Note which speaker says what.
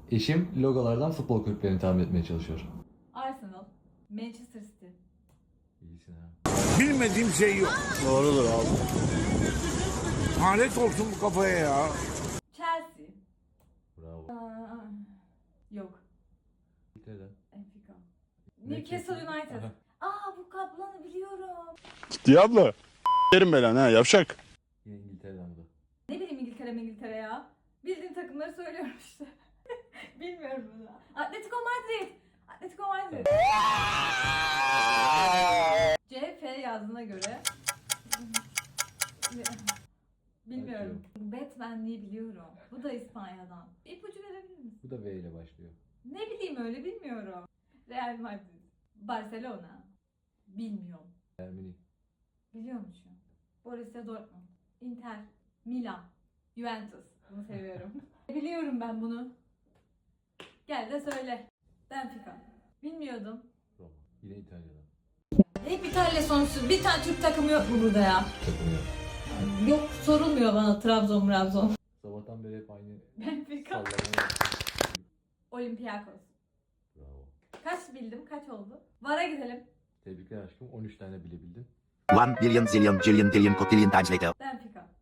Speaker 1: Eşim logolardan futbol kulüplerini tahmin etmeye çalışıyor.
Speaker 2: Arsenal, Manchester City.
Speaker 1: İyisin ha.
Speaker 3: Bilmediğim şey yok.
Speaker 4: Doğrudur abi.
Speaker 3: Lanet olsun bu kafaya ya.
Speaker 2: Chelsea.
Speaker 1: Bravo.
Speaker 2: Yok.
Speaker 1: İngiltere'den.
Speaker 2: Benfica. Newcastle United.
Speaker 1: Aha.
Speaker 2: Bu kaplanı biliyorum.
Speaker 4: Ciddi abla. Derim ben ha yavşak.
Speaker 1: Yine İngiltere'den bu da.
Speaker 2: Ne bileyim İngiltere ya. Bildiğim takımları söylüyorum işte. Bilmiyorum bunu. Atletico Madrid. Atletico Madrid. CF yazdığına göre. Bilmiyorum. Batman'liği biliyorum. Bu da İspanya'dan. İpucu verebilir misin?
Speaker 1: Bu da V ile başlıyor.
Speaker 2: Ne bileyim öyle bilmiyorum. Real Madrid. Barcelona. Bilmiyorum.
Speaker 1: Ermeni.
Speaker 2: Biliyormuşum. Borussia Dortmund. Inter. Milan. Juventus. Bunu seviyorum. Biliyorum ben bunu. Gel de söyle. Benfica. Bilmiyordum.
Speaker 1: Roma. Yine İtalya'dan.
Speaker 2: Hep İtalya sonuçsuz. Bir tane Türk takımı yok mu burada ya?
Speaker 1: Takım yok.
Speaker 2: Yok, sorulmuyor bana Trabzon.
Speaker 1: Sabahtan beri hep aynı
Speaker 2: Benfica.
Speaker 1: sallama yapıyor.
Speaker 2: Olympiakos.
Speaker 1: Bravo.
Speaker 2: Kaç bildim? Kaç oldu? VAR'a gidelim.
Speaker 1: Tebrikler aşkım. 13 tane bilebildin.
Speaker 5: 1 billion zillion jillion billion cotillion times later.
Speaker 2: Benfica.